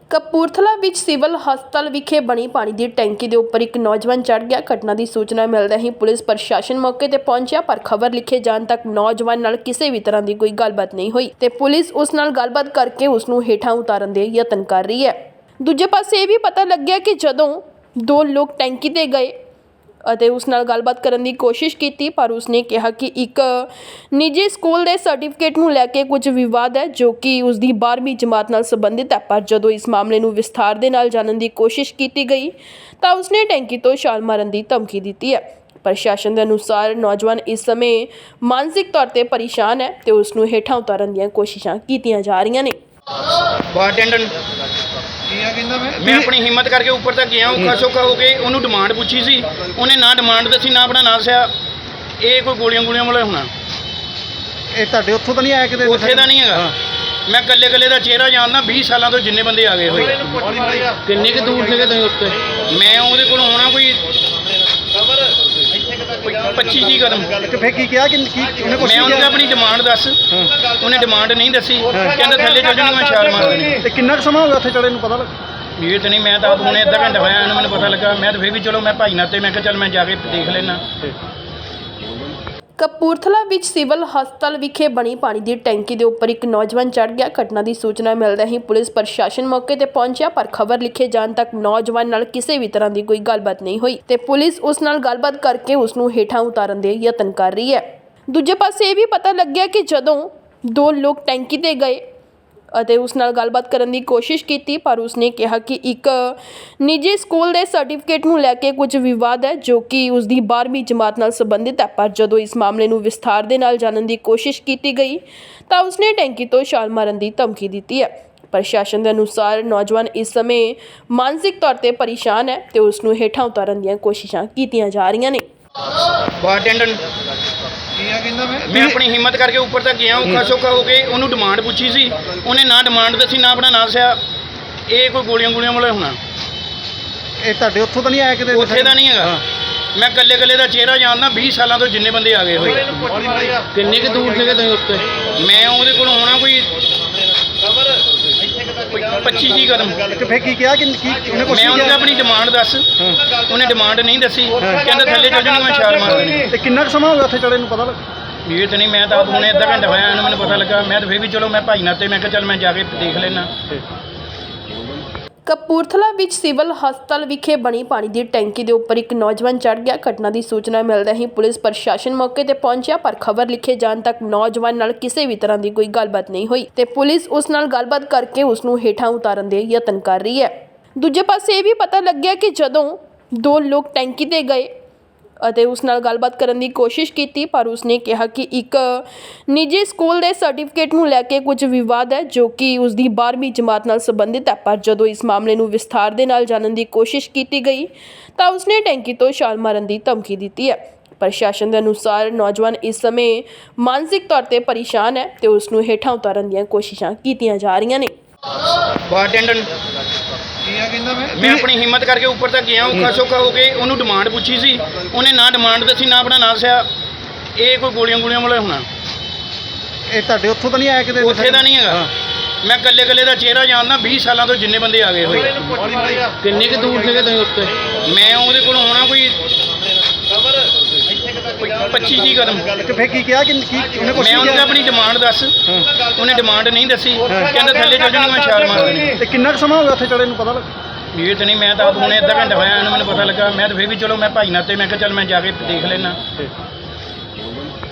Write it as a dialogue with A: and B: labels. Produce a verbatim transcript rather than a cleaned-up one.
A: ਕਪੂਰਥਲਾ ਵਿੱਚ ਸਿਵਲ ਹਸਪਤਾਲ ਵਿਖੇ ਬਣੀ ਪਾਣੀ ਦੀ ਟੈਂਕੀ ਦੇ ਉੱਪਰ ਇੱਕ ਨੌਜਵਾਨ ਚੜ੍ਹ ਗਿਆ। ਘਟਨਾ ਦੀ ਸੂਚਨਾ ਮਿਲਦੇ ਹੀ ਪੁਲਿਸ ਪ੍ਰਸ਼ਾਸਨ ਮੌਕੇ ਤੇ ਪਹੁੰਚਿਆ, ਪਰ ਖਬਰ ਲਿਖੇ ਜਾਣ ਤੱਕ ਨੌਜਵਾਨ ਨਾਲ ਕਿਸੇ ਵੀ ਤਰ੍ਹਾਂ ਦੀ ਕੋਈ ਗੱਲਬਾਤ ਨਹੀਂ ਹੋਈ ਤੇ ਪੁਲਿਸ ਉਸ ਨਾਲ ਗੱਲਬਾਤ ਕਰਕੇ ਉਸ ਨੂੰ ਹੇਠਾਂ ਉਤਾਰਨ ਦੇ ਯਤਨ ਕਰ ਰਹੀ ਹੈ। ਦੂਜੇ ਪਾਸੇ ਇਹ ਵੀ ਪਤਾ ਲੱਗਿਆ ਕਿ ਜਦੋਂ ਦੋ ਲੋਕ ਟੈਂਕੀ ਤੇ ਗਏ ਅਤੇ ਉਸ ਨਾਲ ਗੱਲਬਾਤ ਕਰਨ ਦੀ ਕੋਸ਼ਿਸ਼ ਕੀਤੀ, ਪਰ ਉਸਨੇ ਕਿਹਾ ਕਿ ਇੱਕ ਨਿੱਜੀ ਸਕੂਲ ਦੇ ਸਰਟੀਫਿਕੇਟ ਨੂੰ ਲੈ ਕੇ ਕੁਝ ਵਿਵਾਦ ਹੈ ਜੋ ਕਿ ਉਸ ਦੀ ਬਾਰ੍ਹਵੀਂ ਜਮਾਤ ਨਾਲ ਸੰਬੰਧਿਤ ਹੈ। ਪਰ ਜਦੋਂ ਇਸ ਮਾਮਲੇ ਨੂੰ ਵਿਸਥਾਰ ਦੇ ਨਾਲ ਜਾਣਨ ਦੀ ਕੋਸ਼ਿਸ਼ ਕੀਤੀ ਗਈ ਤਾਂ ਉਸਨੇ ਟੈਂਕੀ ਤੋਂ ਛਾਲ ਮਾਰਨ ਦੀ ਧਮਕੀ ਦਿੱਤੀ ਹੈ। ਪ੍ਰਸ਼ਾਸਨ ਦੇ ਅਨੁਸਾਰ ਨੌਜਵਾਨ ਇਸ ਸਮੇਂ ਮਾਨਸਿਕ ਤੌਰ ਤੇ ਪਰੇਸ਼ਾਨ ਹੈ ਤੇ ਉਸ ਨੂੰ ਹੇਠਾਂ ਉਤਾਰਨ ਦੀਆਂ ਕੋਸ਼ਿਸ਼ਾਂ ਕੀਤੀਆਂ ਜਾ ਰਹੀਆਂ ਨੇ।
B: ਬਾਰਟੈਂਡਰ मैं अपनी हिम्मत करके ऊपर तक गया, औखा सौखा हो गए उन्होंने डिमांड पूछी सी, उन्हें ना डिमांड दसी ना अपना ना दसिया। ये कोई गोलियां गोलियां वाला होना
C: ਇਹ ਤੁਹਾਡੇ ਉੱਥੋਂ ਤਾਂ ਨਹੀਂ ਆਇਆ ਕਿਤੇ?
B: ਉੱਥੇ ਦਾ ਨਹੀਂ ਹੈਗਾ। ਮੈਂ ਕੱਲੇ ਕੱਲੇ ਦਾ ਚਿਹਰਾ ਜਾਣਦਾ, ਵੀਹ ਸਾਲਾਂ ਤੋਂ ਜਿੰਨੇ ਬੰਦੇ ਆ ਗਏ ਹੋਏ।
C: ਕਿੰਨੇ ਕੁ ਦੂਰ ਸੀਗੇ ਤੁਸੀਂ ਉੱਤੇ?
B: ਮੈਂ ਉਹਦੇ ਕੋਲ ਹੋਣਾ ਕੋਈ ਪੱਚੀ ਜੀ ਕਦਮ।
C: ਤੇ ਫੇਰ ਕੀ ਕਿਹਾ ਕਿ ਕੀ ਉਹਨੇ ਕੁਛ
B: ਮੈਂ ਉਹਨੂੰ ਆਪਣੀ ਡਿਮਾਂਡ ਦੱਸ, ਉਹਨੇ ਡਿਮਾਂਡ ਨਹੀਂ ਦੱਸੀ, ਕਹਿੰਦਾ ਥੱਲੇ ਚੱਲ ਜਾਣੀ, ਮੈਂ ਛਾਲ ਮਾਰ ਦੇਣੀ।
C: ਤੇ ਕਿੰਨਾ ਕੁ ਸਮਾਂ ਹੋ ਗਿਆ ਉੱਥੇ ਚੜੇ ਨੂੰ ਪਤਾ ਲੱਗ?
B: ਇਹ ਤਾਂ ਨਹੀਂ, ਮੈਂ ਤਾਂ ਆਪ ਹੁਣੇ ਅੱਧਾ ਘੰਟਾ ਹੋਇਆ ਇਹਨੂੰ ਮੈਨੂੰ ਪਤਾ ਲੱਗਾ। ਮੈਂ ਤਾਂ ਫਿਰ ਵੀ ਚਲੋ ਮੈਂ ਭਾਈ ਨਾਤੇ ਮੈਂ ਕਿਹਾ ਚੱਲ ਮੈਂ ਜਾ ਕੇ ਦੇਖ ਲੈਣਾ।
A: ਕਪੂਰਥਲਾ ਵਿੱਚ ਸਿਵਲ ਹਸਪਤਾਲ ਵਿਖੇ ਬਣੀ ਪਾਣੀ ਦੀ ਟੈਂਕੀ ਦੇ ਉੱਪਰ ਇੱਕ ਨੌਜਵਾਨ ਚੜ੍ਹ ਗਿਆ। ਘਟਨਾ ਦੀ ਸੂਚਨਾ ਮਿਲਦੇ ਹੀ ਪੁਲਿਸ ਪ੍ਰਸ਼ਾਸਨ ਮੌਕੇ ਤੇ ਪਹੁੰਚਿਆ, ਪਰ ਖਬਰ ਲਿਖੇ ਜਾਣ ਤੱਕ ਨੌਜਵਾਨ ਨਾਲ ਕਿਸੇ ਵੀ ਤਰ੍ਹਾਂ ਦੀ ਕੋਈ ਗੱਲਬਾਤ ਨਹੀਂ ਹੋਈ ਤੇ ਪੁਲਿਸ ਉਸ ਨਾਲ ਗੱਲਬਾਤ ਕਰਕੇ ਉਸ ਨੂੰ ਹੇਠਾਂ ਉਤਾਰਨ ਦੇ ਯਤਨ ਕਰ ਰਹੀ ਹੈ। ਦੂਜੇ ਪਾਸੇ ਇਹ ਵੀ ਪਤਾ ਲੱਗਿਆ ਕਿ ਜਦੋਂ ਦੋ ਲੋਕ ਟੈਂਕੀ ਤੇ ਗਏ ਅਤੇ ਉਸ ਨਾਲ ਗੱਲਬਾਤ ਕਰਨ ਦੀ ਕੋਸ਼ਿਸ਼ ਕੀਤੀ, ਪਰ ਉਸਨੇ ਕਿਹਾ ਕਿ ਇੱਕ ਨਿੱਜੀ ਸਕੂਲ ਦੇ ਸਰਟੀਫਿਕੇਟ ਨੂੰ ਲੈ ਕੇ ਕੁਝ ਵਿਵਾਦ ਹੈ ਜੋ ਕਿ ਉਸ ਦੀ ਬਾਰ੍ਹਵੀਂ ਜਮਾਤ ਨਾਲ ਸੰਬੰਧਿਤ ਹੈ। ਪਰ ਜਦੋਂ ਇਸ ਮਾਮਲੇ ਨੂੰ ਵਿਸਥਾਰ ਦੇ ਨਾਲ ਜਾਣਨ ਦੀ ਕੋਸ਼ਿਸ਼ ਕੀਤੀ ਗਈ ਤਾਂ ਉਸਨੇ ਟੈਂਕੀ ਤੋਂ ਛਾਲ ਮਾਰਨ ਦੀ ਧਮਕੀ ਦਿੱਤੀ ਹੈ। ਪ੍ਰਸ਼ਾਸਨ ਦੇ ਅਨੁਸਾਰ ਨੌਜਵਾਨ ਇਸ ਸਮੇਂ ਮਾਨਸਿਕ ਤੌਰ ਤੇ ਪਰੇਸ਼ਾਨ ਹੈ ਤੇ ਉਸ ਨੂੰ ਹੇਠਾਂ ਉਤਾਰਨ ਦੀਆਂ ਕੋਸ਼ਿਸ਼ਾਂ ਕੀਤੀਆਂ ਜਾ ਰਹੀਆਂ ਨੇ।
B: ਬਾਰਟੈਂਡਰ मैं अपनी हिम्मत करके ऊपर तक गया, औखा सौखा हो गए उन्होंने डिमांड पूछी सी, उन्हें ना डिमांड दसी ना अपना ना दसिया। ये कोई गोलियां गोलियां वाला होना
C: ਇਹ ਤੁਹਾਡੇ ਉੱਥੋਂ ਤਾਂ ਨਹੀਂ ਆਇਆ ਕਿਤੇ?
B: ਉੱਥੇ ਦਾ ਨਹੀਂ ਹੈਗਾ। ਮੈਂ ਕੱਲੇ ਕੱਲੇ ਦਾ ਚਿਹਰਾ ਜਾਣਦਾ, ਵੀਹ ਸਾਲਾਂ ਤੋਂ ਜਿੰਨੇ ਬੰਦੇ ਆ ਗਏ ਹੋਏ।
C: ਕਿੰਨੇ ਕੁ ਦੂਰ ਸੀਗੇ ਤੁਸੀਂ ਉੱਤੇ?
B: ਮੈਂ ਉਹਦੇ ਕੋਲ ਹੋਣਾ ਕੋਈ ਪੱਚੀ ਜੀ ਕਦਮ।
C: ਤੇ ਫੇਰ ਕੀ ਕਿਹਾ ਕਿ ਕੀ ਉਹਨੇ ਕੁਛ
B: ਮੈਂ ਉਹਨੂੰ ਆਪਣੀ ਡਿਮਾਂਡ ਦੱਸ, ਉਹਨੇ ਡਿਮਾਂਡ ਨਹੀਂ ਦੱਸੀ, ਕਹਿੰਦਾ ਥੱਲੇ ਚੱਲ ਜਾਣੀ, ਮੈਂ ਛਾਲ ਮਾਰ ਦੇਣੀ।
C: ਤੇ ਕਿੰਨਾ ਕੁ ਸਮਾਂ ਹੋ ਗਿਆ ਉੱਥੇ ਚੜੇ ਨੂੰ ਪਤਾ ਲੱਗ?
B: ਇਹ ਤਾਂ ਨਹੀਂ, ਮੈਂ ਤਾਂ ਆਪ ਹੁਣੇ ਅੱਧਾ ਘੰਟਾ ਹੋਇਆ ਇਹਨੂੰ ਮੈਨੂੰ ਪਤਾ ਲੱਗਾ। ਮੈਂ ਤਾਂ ਫਿਰ ਵੀ ਚਲੋ ਮੈਂ ਭਾਈ ਨਾਤੇ ਮੈਂ ਕਿਹਾ ਚੱਲ ਮੈਂ ਜਾ ਕੇ ਦੇਖ ਲੈਣਾ।
A: ਕਪੂਰਥਲਾ ਵਿੱਚ ਸਿਵਲ ਹਸਪਤਾਲ ਵਿਖੇ ਬਣੀ ਪਾਣੀ ਦੀ ਟੈਂਕੀ ਦੇ ਉੱਪਰ ਇੱਕ ਨੌਜਵਾਨ ਚੜ੍ਹ ਗਿਆ। ਘਟਨਾ ਦੀ ਸੂਚਨਾ ਮਿਲਦੇ ਹੀ ਪੁਲਿਸ ਪ੍ਰਸ਼ਾਸਨ ਮੌਕੇ ਤੇ ਪਹੁੰਚਿਆ, ਪਰ ਖਬਰ ਲਿਖੇ ਜਾਣ ਤੱਕ ਨੌਜਵਾਨ ਨਾਲ ਕਿਸੇ ਵੀ ਤਰ੍ਹਾਂ ਦੀ ਕੋਈ ਗੱਲਬਾਤ ਨਹੀਂ ਹੋਈ ਤੇ ਪੁਲਿਸ ਉਸ ਨਾਲ ਗੱਲਬਾਤ ਕਰਕੇ ਉਸ ਨੂੰ ਹੇਠਾਂ ਉਤਾਰਨ ਦੇ ਯਤਨ ਕਰ ਰਹੀ ਹੈ। ਦੂਜੇ ਪਾਸੇ ਇਹ ਵੀ ਪਤਾ ਲੱਗਿਆ ਕਿ ਜਦੋਂ ਦੋ ਲੋਕ ਟੈਂਕੀ ਤੇ ਗਏ ਅਤੇ ਉਸ ਨਾਲ ਗੱਲਬਾਤ ਕਰਨ ਦੀ ਕੋਸ਼ਿਸ਼ ਕੀਤੀ, ਪਰ ਉਸਨੇ ਕਿਹਾ ਕਿ ਇੱਕ ਨਿੱਜੀ ਸਕੂਲ ਦੇ ਸਰਟੀਫਿਕੇਟ ਨੂੰ ਲੈ ਕੇ ਕੁਝ ਵਿਵਾਦ ਹੈ ਜੋ ਕਿ ਉਸ ਦੀ ਬਾਰ੍ਹਵੀਂ ਜਮਾਤ ਨਾਲ ਸੰਬੰਧਿਤ ਹੈ। ਪਰ ਜਦੋਂ ਇਸ ਮਾਮਲੇ ਨੂੰ ਵਿਸਥਾਰ ਦੇ ਨਾਲ ਜਾਣਨ ਦੀ ਕੋਸ਼ਿਸ਼ ਕੀਤੀ ਗਈ ਤਾਂ ਉਸਨੇ ਟੈਂਕੀ ਤੋਂ ਛਾਲ ਮਾਰਨ ਦੀ ਧਮਕੀ ਦਿੱਤੀ ਹੈ। ਪ੍ਰਸ਼ਾਸਨ ਦੇ ਅਨੁਸਾਰ ਨੌਜਵਾਨ ਇਸ ਸਮੇਂ ਮਾਨਸਿਕ ਤੌਰ ਤੇ ਪਰੇਸ਼ਾਨ ਹੈ ਤੇ ਉਸ ਨੂੰ ਹੇਠਾਂ ਉਤਾਰਨ ਦੀਆਂ ਕੋਸ਼ਿਸ਼ਾਂ ਕੀਤੀਆਂ ਜਾ ਰਹੀਆਂ ਨੇ।
B: ਬਾਰਟੈਂਡਰ मैं अपनी हिम्मत करके ऊपर तक गया, औखा सौखा हो गए उन्होंने डिमांड पूछी सी, उन्हें ना डिमांड दसी ना अपना ना दसिया। ये कोई गोलियां गोलियां वाला होना
C: ਇਹ ਤੁਹਾਡੇ ਉੱਥੋਂ ਤਾਂ ਨਹੀਂ ਆਇਆ ਕਿਤੇ?
B: ਉੱਥੇ ਦਾ ਨਹੀਂ ਹੈਗਾ। ਮੈਂ ਕੱਲੇ ਕੱਲੇ ਦਾ ਚਿਹਰਾ ਜਾਣਦਾ, ਵੀਹ ਸਾਲਾਂ ਤੋਂ ਜਿੰਨੇ ਬੰਦੇ ਆ ਗਏ ਹੋਏ।
C: ਕਿੰਨੇ ਕੁ ਦੂਰ ਸੀਗੇ ਤੁਸੀਂ ਉੱਤੇ?
B: ਮੈਂ ਉਹਦੇ ਕੋਲ ਹੋਣਾ ਕੋਈ ਪੱਚੀ ਜੀ ਕਦਮ।
C: ਤੇ ਫੇਰ ਕੀ ਕਿਹਾ ਕਿ ਕੀ ਉਹਨੇ ਕੁਛ
B: ਮੈਂ ਉਹਨੂੰ ਆਪਣੀ ਡਿਮਾਂਡ ਦੱਸ, ਉਹਨੇ ਡਿਮਾਂਡ ਨਹੀਂ ਦੱਸੀ, ਕਹਿੰਦਾ ਥੱਲੇ ਚੱਲ ਜਾਣੀ, ਮੈਂ ਛਾਲ ਮਾਰ ਦੇਣੀ।
C: ਤੇ ਕਿੰਨਾ ਕੁ ਸਮਾਂ ਹੋ ਗਿਆ ਉੱਥੇ ਚੜੇ ਨੂੰ ਪਤਾ ਲੱਗ?
B: ਇਹ ਤਾਂ ਨਹੀਂ, ਮੈਂ ਤਾਂ ਆਪ ਹੁਣੇ ਅੱਧਾ ਘੰਟਾ ਹੋਇਆ ਇਹਨੂੰ ਮੈਨੂੰ ਪਤਾ ਲੱਗਾ। ਮੈਂ ਤਾਂ ਫਿਰ ਵੀ ਚਲੋ ਮੈਂ ਭਾਈ ਨਾਤੇ ਮੈਂ ਕਿਹਾ ਚੱਲ ਮੈਂ ਜਾ ਕੇ ਦੇਖ ਲੈਣਾ।